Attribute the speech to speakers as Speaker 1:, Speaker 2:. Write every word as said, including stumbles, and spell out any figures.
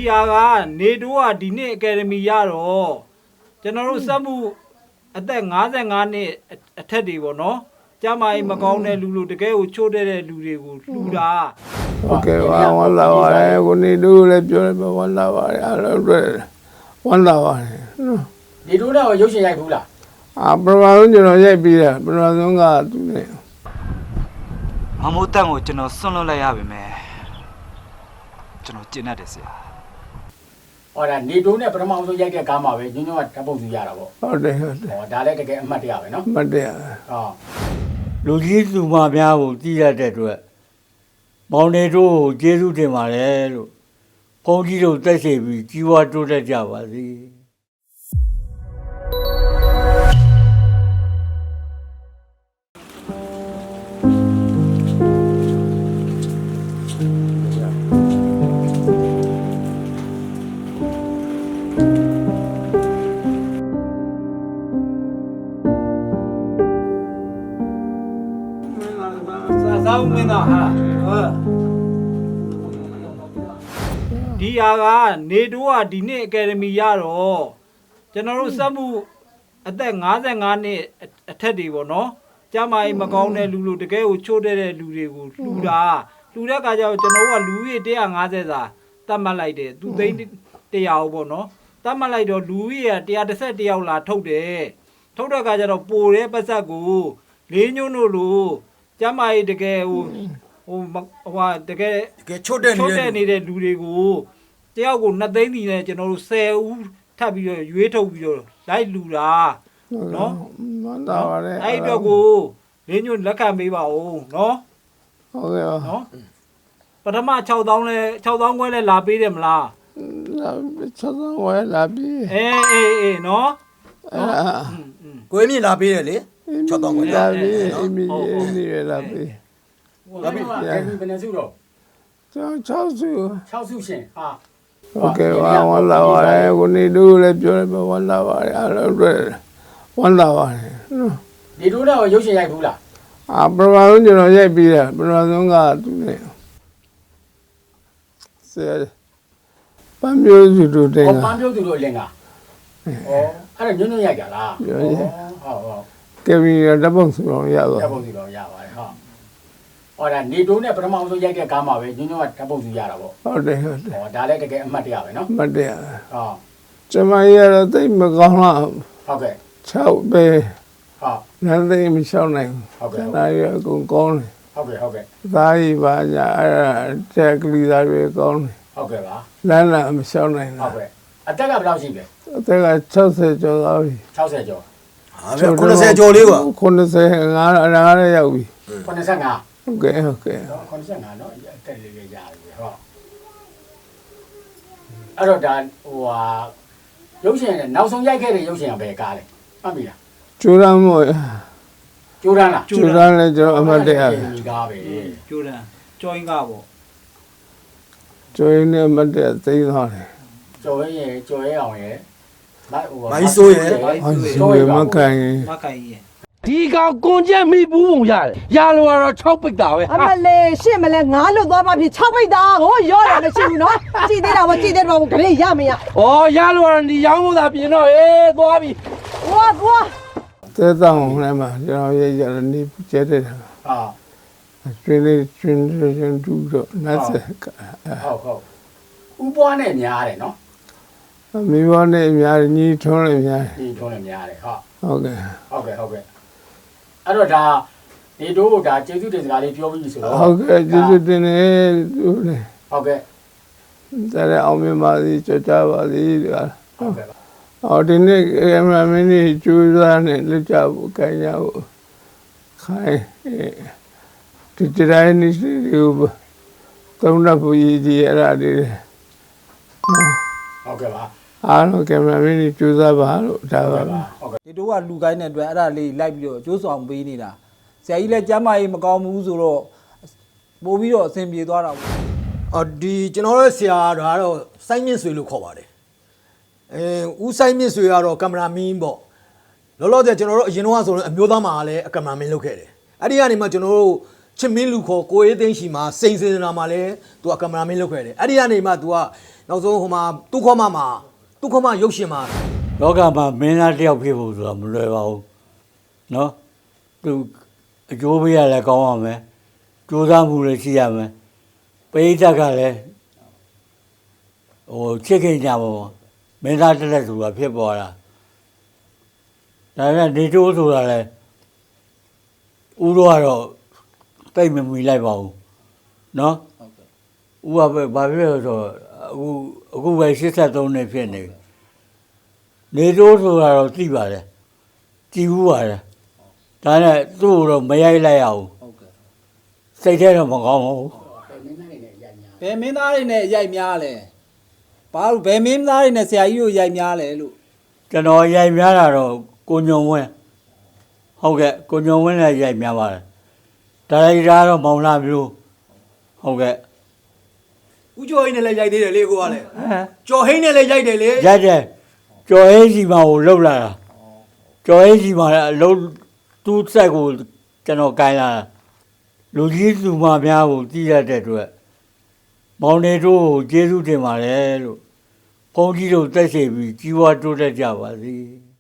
Speaker 1: ဟာကနေတိုးကဒီနှစ်အကယ်ဒမီရတော့ကျွန်တော်တို့စက်မှုအသက်၅၅နှစ်အထက်တွေပေါ့နော်ကျမကြီးမကောင်းတဲ့လူလူတကယ်ကိုချိုးတဲ့လူတွေကိုလှူတာ
Speaker 2: โอเคပါဝမ်းလာပါတယ်ကိုနေတိုးလည်းပြောတယ်ဝမ်းလာပါတယ်အားလုံးတွေ့ဝမ်းလာပါတယ်နော်
Speaker 3: နေတိုးတော့ရုပ်ရှင်ရိုက်ဘူးလား
Speaker 2: အာပထမဆုံးကျွန်တော်ရိုက်ပြီးတယ်ပထမဆုံးကသူနဲ့
Speaker 4: မမိုးတန့်ကိုကျွန်တော်ဆွန့်လွတ်လိုက်ရပါမယ်ကျွန်တော်ကျင့်တတ်တယ်ဆရာ
Speaker 3: ဟောဒါနေတိုးနဲ့ပထမဆုံးရိုက်တဲ့ကားမှာပဲညွန့်ညွန့်ကဓာတ်ပုံယူရတာပေါ့
Speaker 2: ဟုတ်တယ်ဟုတ်တယ်
Speaker 3: ဟောဒါလည်းတကယ်အမှတ်တရပဲနော်
Speaker 2: အမှတ်တရ
Speaker 3: ဟော
Speaker 5: လူကြီးသူမများကိုတည်ရတဲ့အတွက်မောင်နေတို့ကိုကျေးဇူးတင်ပါတယ်လို့ဘုန်းကြီးတို့တက်ရှိပြီးကြီးဝါတိုးတက်ကြပါစေ
Speaker 1: သာဦးမင်းသားဟာဟုတ်ဒီဟာကနေတိုးကဒီနှစ်အကယ်ဒမီရတော့ကျွန်တော်တို့စက်မှုအသက်၅၅နှစ်အထက်တွေပေါ့နော်ကျမကြီးမကောင်းတဲ့လူလူတကယ်ကိုချိုးတဲ့လူတွေကိုလှူတာလှူတဲ့အခါကျတော့ကျွန်တော်တို့ကလူကြီး၁၅၀စာတတ်မှတ်လိုက်တယ်သူသိန်း၁၀၀ပေါ့နော်တတ်မှတ်လိုက်တော့လူကြီးက၁၁၁ယောက်လာထုတ်တယ်ထုတ်တဲ့အခါကျတော့ပိုတဲ့ပတ်သက်ကိုလေးညွန်းတို့လို့ကျမကြီးတကယ်ဟိုဟိုဟိုတကယ်
Speaker 6: တကယ်ချွတ်တဲ့
Speaker 1: နေတဲ့ချွတ်တဲ့နေတဲ့လူတွေကိုတယောက်ကိုနှစ်သိန်းစီနဲ့ကျွန်တော်တို့၁၀ဦးထပ်ပြီးတော့ရွေးထုတ်ပြီးတော့လိုက်လူတာနော်
Speaker 2: မှန်တာပါလေ
Speaker 1: အဲ့တော့ကိုလင်းညွန့်လက်ခံပေးပါဦးနော်
Speaker 2: ဟုတ်ကဲ့ပါ
Speaker 1: နော်ပထမ၆သောင်းလဲ၆သောင်းခွဲလဲလာပေးတယ်မလား
Speaker 2: လာ၆သောင်းခွဲလာပေး
Speaker 1: အေးအေးအေးနော်
Speaker 6: ကိုင်းမြင့်လာပေးတယ်လေ၆သောင်းခွဲ
Speaker 2: လာပေးအမီနေရလာပေး
Speaker 3: လာပေးဘယ်ဘယ်နှစုတော့
Speaker 2: ကျွန်တော်၆စု
Speaker 3: ၆စုရှင်ဟာ
Speaker 2: โอเคပါဝမ်းလာပါတယ်ကိုနေတိုးလည်းပြောတယ်ဝမ်းလာပါတယ်အားလုံးတွေ့ဝမ်းလာပါတယ်နော်
Speaker 3: နေတိုးတော့ရုပ်ရှင်ရိုက်ဘူးလား
Speaker 2: အာပထမဆုံးကျွန်တော်ရိုက်ပြီးတယ်ပထမဆုံးကသူနဲ့ဆရာပန်းမျိုးစုတို့တင်
Speaker 3: ကပန်းမျိုးစုတို့အလင်ကဩအဲ့ဒါညွန့်ညွန့်ရိုက်ကြလား
Speaker 2: ဟုတ်
Speaker 3: ဟုတ်
Speaker 2: ကဲပြီးဓာတ်ပုံစုံရတော့
Speaker 3: ဓာတ်ပုံစုံရပါတယ်ဟုတ်ဟောဒါနေတိုးနဲ့ပထမဆုံးရိုက်တဲ့ကားမှာပဲညွန့်ညွန့်ကဓာတ်ပုံစုရတာပေါ့
Speaker 2: ဟုတ်တယ်ဟုတ်တယ်
Speaker 3: ဟောဒါလည်းတကယ်အမှတ်တရပဲနော်
Speaker 2: အမှတ်တရ
Speaker 3: ဟော
Speaker 2: ကျမရတော့တိတ်မကောင်းတော့
Speaker 3: ဟုတ်ကဲ့
Speaker 2: ၆ပဲ
Speaker 3: ဟုတ်
Speaker 2: နန်းသိမရှောင်းနိုင်
Speaker 3: ဟုတ်ကဲ့
Speaker 2: ဒါရအကုန်ကောင်းတယ်
Speaker 3: ဟုတ်ကဲ့ဟုတ်ကဲ့
Speaker 2: သားကြီးပါညာအဲ့ဒါတက်ကလေးသားတွေကောင်းတယ်
Speaker 3: ဟုတ်ကဲ့ပါ
Speaker 2: လမ်းလာမရှောင်းနိုင်
Speaker 3: ဟုတ်ကဲ့အသက်ကဘယ်လောက်ရှိလဲ
Speaker 2: အသက်က၆၀ကျော်သွားပြီ
Speaker 3: ၆၀ကျော်
Speaker 6: ဟာဗျ၉၀ကျော်လေးပါ
Speaker 2: ၉၅အရာလည်းရောက်ပြီ
Speaker 3: ၉၅
Speaker 2: ဟုတ်ကဲ့ဟုတ်ကဲ့
Speaker 3: ၉၅နော်အသက်လေးလေးရတယ်ဟောအဲ့တော့ဒါဟိုဟာရုပ်ရှင်နဲ့နောက်ဆုံးရိုက်ခဲ့တဲ့ရုပ်ရှင်ကဘယ်ကားလဲမှတ်ပြီလား
Speaker 2: ကျိုးရမ်းမို့
Speaker 3: ကျိုးရမ်းလား
Speaker 2: ကျိုးရမ်းလည်းကျွန်တော်အမှတ်တရ
Speaker 3: ဒီကားပဲ
Speaker 1: ကျိုးရမ်းကျောင်းကားပေါ့
Speaker 2: ကျိုးရင်းနဲ့အမှတ်တရသိသွားတယ်
Speaker 3: ကျော်ရဲကျော်ရဲအောင်ရဲ
Speaker 6: မိုက်ဟိုမိုင်းဆိုးရဲ
Speaker 2: မိုင်းဆိုးရဲမကန်ရင်
Speaker 1: မကန်ရင်
Speaker 5: ဒီကောင်ကွန်ချက်မိဘူးပုံရတယ်ရလိုကတော့၆ပိတ်တာပဲ
Speaker 7: အမလေးရှင့်မလဲငါးလွတ်သွားမှဖြစ်၆ပိတ်တာဟိုရောတယ်မရှိဘူးနော်ကြည်သေးတာမကြည်သေးတော့ဂရိရမရ
Speaker 5: ဩရလိုကတော့ဒီရောင်းဖို့သာပြင်တော့အေးသွားပြီ
Speaker 7: ဝါသွား
Speaker 2: တဲတောင်းလည်းမှာကျွန်တော်ရေးရနေကျဲတဲ့ဟာကျွင်းလေးကျွင်းကျွင်းတူတော့နတ်ဆက်
Speaker 3: ဟုတ်ဟုတ်ဥပွားနဲ့များတယ်နော်
Speaker 2: မိဘနဲ့များညီထွန်းလည်းများ
Speaker 3: ညီထွန်းလည်းများတယ်ဟုတ်
Speaker 2: ဟုတ်ကဲ့
Speaker 3: ဟုတ်ကဲ့ဟုတ်ကဲ့အဲ့တော့ဒါနေတို့ဒါကျေးဇူးတင်စကားလေးပြောပြီးဆိုတော့
Speaker 2: ဟုတ်ကဲ့ကျေးဇူးတင်နေသူလေ
Speaker 3: ဟုတ်ကဲ့
Speaker 2: တဲ့အောင်မြင်ပါစေကြောကြပါစေဒီက
Speaker 3: ဟုတ်ကဲ့
Speaker 2: အော်ဒီနေ့ကင်မရာမင်းကြီးကျူးစားနဲ့လက်ချဖို့ခိုင်းရဖို့ခိုင်းဒီတိုင်းနေစီကိုသုံးတော့ဘူးကြီးအဲ့ဒါတွေ
Speaker 3: ဟုတ်ကဲ့ပါ
Speaker 2: အားလုံးကင်မရာမင်းကြီးကျူးစားပါလို့ဒါပါပါ
Speaker 3: ဟုတ်ကဲ့
Speaker 1: ဒီတို့ကလူကိုင်းတဲ့အတွက်အဲ့ဒါလေးလိုက်ပြီးတော့ကျိုးဆောင်ပေးနေတာဆရာကြီးလည်းကျမ်းမာရေးမကောင်းဘူးဆိုတော့ပို့ပြီးတော့အဆင်ပြေသွားတာပေါ့
Speaker 6: အော်ဒီကျွန်တော်ရဲ့ဆရာကတော့စိုင်းမြင့်ဆွေလို့ခေါ်ပါတယ်အဲဦးစိုင်းမြင့်ဆွေကတော့ကင်မရာမင်းပေါ့လောလောဆယ်ကျွန်တော်တို့အရင်တော့ဆိုရင်အမျိုးသားမှာလည်းအကင်မရာမင်းလုပ်ခဲ့တယ်အဲ့ဒီကနေမှကျွန်တော်တို့ချစ်မင်းလူခေါ်ကိုအေးသိန်းရှိမှာစိန်စေနာမှာလဲ तू ကကင်မရာမင်းလုပ်ခဲ့တယ်အဲ့ဒီကနေမှ तू ကနောက်ဆုံးဟိုမှာသူ့ခေါ်မမှာသူ့ခေါ်မရုပ်ရှင်မှာ
Speaker 5: လောကမှာမင်းသားတစ်ယောက်ဖြစ်ဖို့ဆိုတာမလွယ်ပါဘူးနော်သူအကျိုးပေးရလဲကောင်းရမယ်ကြိုးစားမှုလည်းရှိရမယ်ပရိသတ်ကလည်းဟိုချစ်ခင်ကြပါဘောမင်းသားတစ်လက်ဆိုတာဖြစ်ပေါ်လာဒါနဲ့နေတိုးဆိုတာလဲဦးတော့ကတော့တိတ်မမီလိုက်ပါဘူးနော်ဦးကပဲဘာဖြစ်လဲဆိုတော့အခုအခုပဲ၈၃နှစ်ဖြစ်နေနေတိုးဆိုတာတော့သိပါတယ်ကြည်ဘူးပါတယ်ဒါနဲ့သူ့ကိုတော့မရိုက်လိုက်ရဘူးစိတ်ထဲတော့မကောင်းဘူး
Speaker 1: ဘယ်မင်းသားတွေနဲ့ရိုက်များလဲဘာလို့ဘယ်မင်းသားတွေနဲ့ဆရာကြီးတို့ရိုက်များလဲလို့
Speaker 5: ကျွန်တော်ရိုက်များတာတော့ကိုညုံဝင်းဟုတ်ကဲ့ကိုညုံဝင်းလည်းရိုက်များပါတယ်ဒါရိုက်တာတော့မောင်လာမျိုးဟုတ်ကဲ့
Speaker 6: ဦးကျော်ဟိန်းနဲ့လည်းရိုက်သေးတယ်လေကိုကလည်း
Speaker 5: ဟမ်
Speaker 6: ကျော်ဟိန်းနဲ့လည်းရိုက်တယ်လေ
Speaker 5: ရိုက်တယ်ကျော်ဟင်းစီမကိုလှုပ်လာတာကျော်ဟင်းစီမလည်းအလုံးသူ့ဆက်ကိုကျွန်တော်ကိုင်းလာတာလူကြီးလူမများကိုတည်ရတဲ့အတွက်မောင်နေတို့ကိုကျေးဇူးတင်ပါတယ်လို့ဘုန်းကြီးတို့တက်ရှိပြီးကြီးဝါတိုးတက်ကြပါစေ